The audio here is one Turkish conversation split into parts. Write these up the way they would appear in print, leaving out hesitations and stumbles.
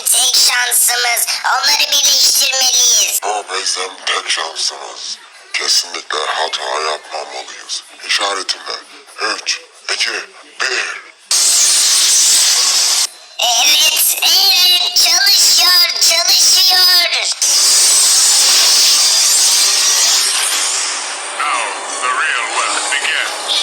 tek şansımız. Onları birleştirmeliyiz. Bu bizim tek şansımız. Kesinlikle hata yapmamalıyız. İşaretimle 3, 2, 1. Evet, evet, çalışıyor. Now the real work begins.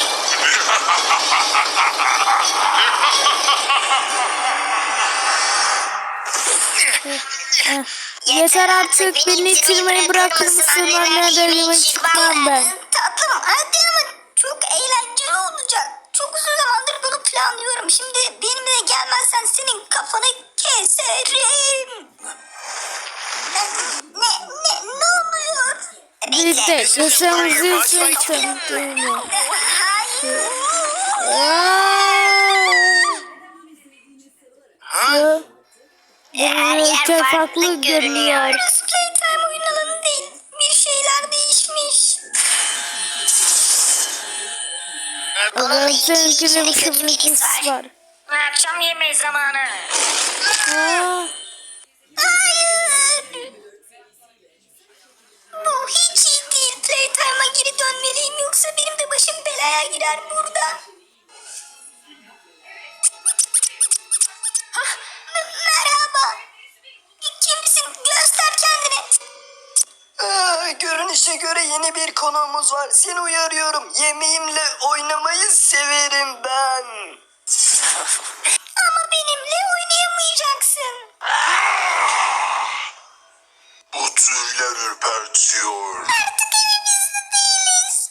Yeter artık, beni itirmeyi bırakır mısın? Anneden yemek çıkmam ben. Tatlım hadi ama çok eğlenceli olacak. Çok uzun zamandır bunu planlıyorum. Şimdi benimle gelmezsen senin kafanı keserim. Ne oluyor? Biz de yaşamımızı için tanıdığını. Hayır. Her yer farklı görünüyor. Burası playtime oyun alanı değil. Bir şeyler değişmiş. Bununla ilgili bir kötü var. Akşam yemeği zamanı. Hayır. Bu hiç iyi değil. Playtime'a geri dönmeliyim yoksa benim de başım belaya girer burada. Merhaba. Kimsin? Göster kendini. Görünüşe göre yeni bir konuğumuz var. Seni uyarıyorum. Yemeğimle oynamayı severim ben. Ama benimle oynayamayacaksın. Bu tüyler ürpertiyor. Artık evimizde değiliz.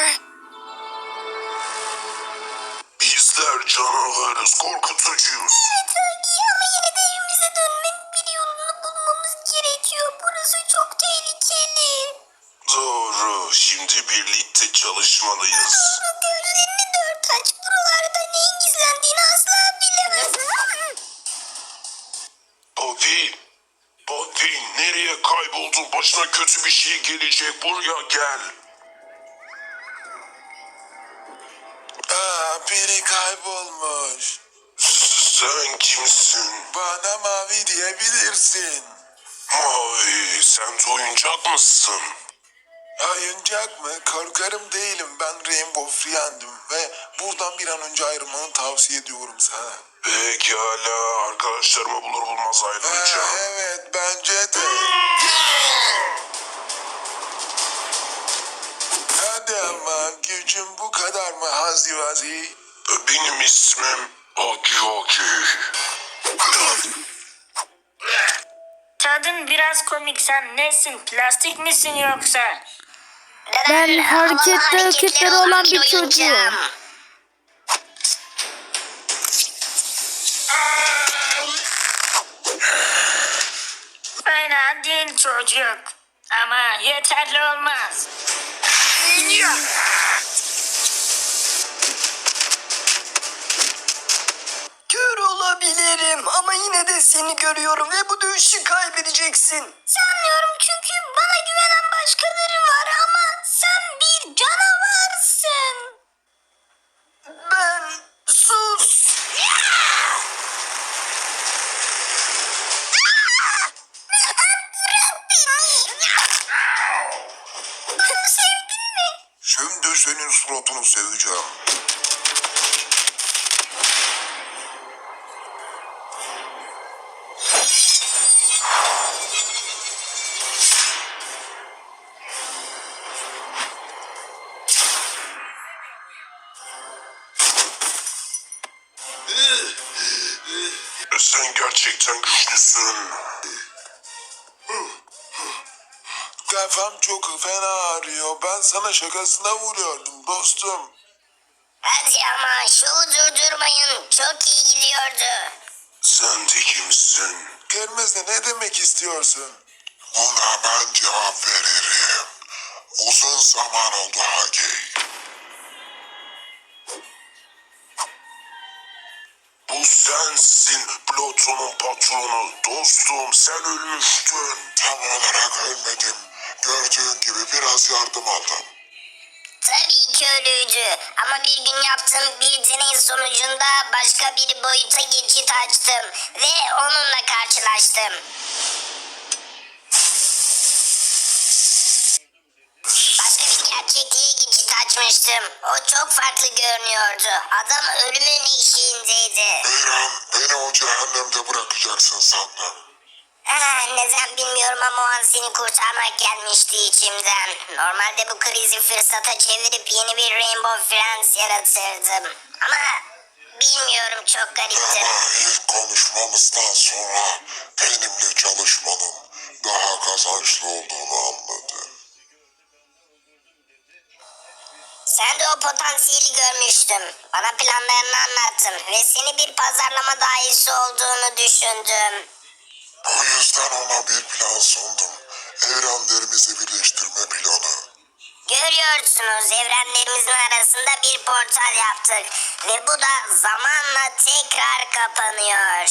Bizler canavarız, korkutucuyuz. Evet Hagi ama yine de evimize dönmenin bir yolunu bulmamız gerekiyor. Burası çok tehlikeli. Doğru, şimdi birlikte çalışmalıyız. Gözlerini dört aç. Buralarda neyin gizlendiğini asla bilemezsin. Poppy, nereye kayboldun? Başına kötü bir şey gelecek, buraya gel. Biri kaybolmuş. Sen kimsin? Bana Mavi diyebilirsin. Mavi, sen de oyuncak mısın? Oyuncak mı? Korkarım değilim. Ben Rainbow Friend'im ve buradan bir an önce ayrılmanı tavsiye ediyorum sana. Pekala, arkadaşlarımı bulur bulmaz ayrılacağım. Evet, bence de. Hadi ama gücüm bu kadar mı Hazivazi? Benim ismim Hagi. Tadın biraz komik. Sen nesin? Plastik misin yoksa? Ben hareketleri olan bir çocuğum. Fena değil çocuk. Ama yeterli olmaz. Kör olabilirim ama yine de seni görüyorum ve bu dövüşü kaybedeceksin. Sanmıyorum çünkü bana güvenen başkaları var ama sen bir canavarsın. Ben sus. Bırak beni. Bunu sevdin mi? Şimdi senin suratını seveceğim. Sen gerçekten güçlüsün. Kafam çok fena ağrıyor. Ben sana şakasına vuruyordum dostum. Hadi ama şovu durdurmayın. Çok iyi gidiyordu. Sen de kimsin? Gelmezse ne demek istiyorsun? Ona ben cevap veririm. Uzun zaman oldu Hagi. Bu sensin Pluto'nun patronu. Dostum sen ölmüştün. Tam olarak ölmedim. Gördüğün gibi biraz yardım aldım. Tabii ki öyleydi. Ama bir gün yaptığım bir deney sonucunda başka bir boyuta geçit açtım. Ve onunla karşılaştım. Başka bir gerçekliğe geçit açmıştım. O çok farklı görünüyordu. Adam ölümün eşiğindeydi. Eren, beni o cehennemde bırakacaksın sandım. Neden bilmiyorum ama o an seni kurtarmak gelmişti içimden. Normalde bu krizi fırsata çevirip yeni bir Rainbow Friends yaratırdım. Ama bilmiyorum, çok garipti. Ama ilk konuşmamızdan sonra benimle çalışmanın daha kazançlı olduğunu anladım. Sen de o potansiyeli görmüştüm. Bana planlarını anlattın ve seni bir pazarlama dahisi olduğunu düşündüm. O yüzden ona bir plan sundum. Evrenlerimizi birleştirme planı. Görüyorsunuz, evrenlerimizin arasında bir portal yaptık. Ve bu da zamanla tekrar kapanıyor.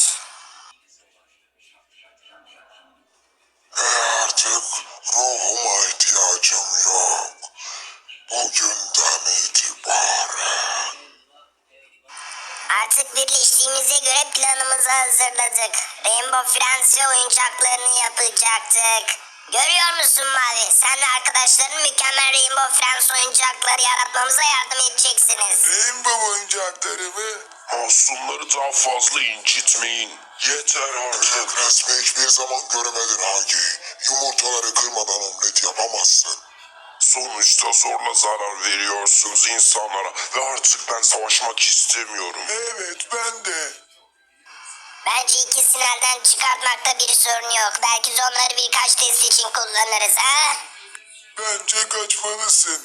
Ve artık ruhuma ihtiyacım yok. Bugünden itibaren. Artık birleştiğimize göre planımızı hazırladık. Rainbow Friends ve oyuncaklarını yapacaktık. Görüyor musun Mavi? Sen ve arkadaşların mükemmel Rainbow Friends oyuncakları yaratmamıza yardım edeceksiniz. Rainbow oyuncakları mı? Masumları daha fazla incitmeyin. Yeter artık. Öyle resmi hiçbir zaman göremedin Hagi. Yumurtaları kırmadan omlet yapamazsın. Sonuçta zorla zarar veriyorsunuz insanlara ve artık ben savaşmak istemiyorum. Evet, ben de. Bence ikisini elden çıkartmakta bir sorun yok. Belki de onları birkaç test için kullanırız ha? Bence kaçmalısın.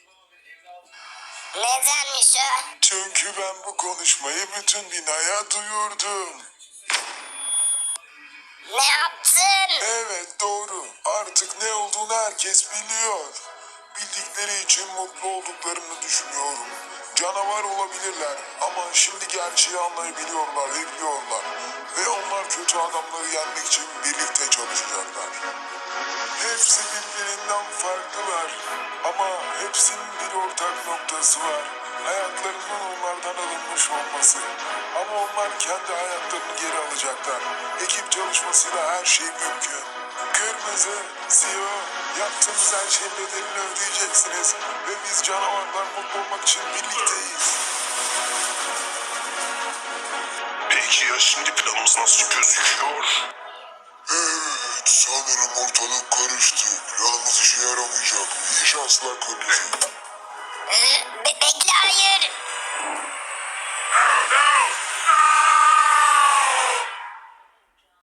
Nedenmiş o? Çünkü ben bu konuşmayı bütün binaya duyurdum. Ne yaptın? Evet, doğru. Artık ne olduğunu herkes biliyor. Bildikleri için mutlu olduklarını düşünüyorum. Canavar olabilirler ama şimdi gerçeği anlayabiliyorlar ve biliyorlar. Ve onlar kötü adamları yenmek için birlikte çalışacaklar. Hepsi birbirinden farklılar ama hepsinin bir ortak noktası var. Hayatlarının onlardan alınmış olması. Ama onlar kendi hayatlarını geri alacaklar. Ekip çalışmasıyla her şey mümkün. Kırmızı, siyah, yaptığımız her şeyin bedelini ödeyeceksiniz. Ve biz canavarlar mutlu olmak için birlikteyiz. Peki ya şimdi planımız nasıl gözüküyor? Evet, sanırım ortalık karıştı. Planımız işe yaramayacak. İyi şanslar kırmızı. Bekle, hayır. No!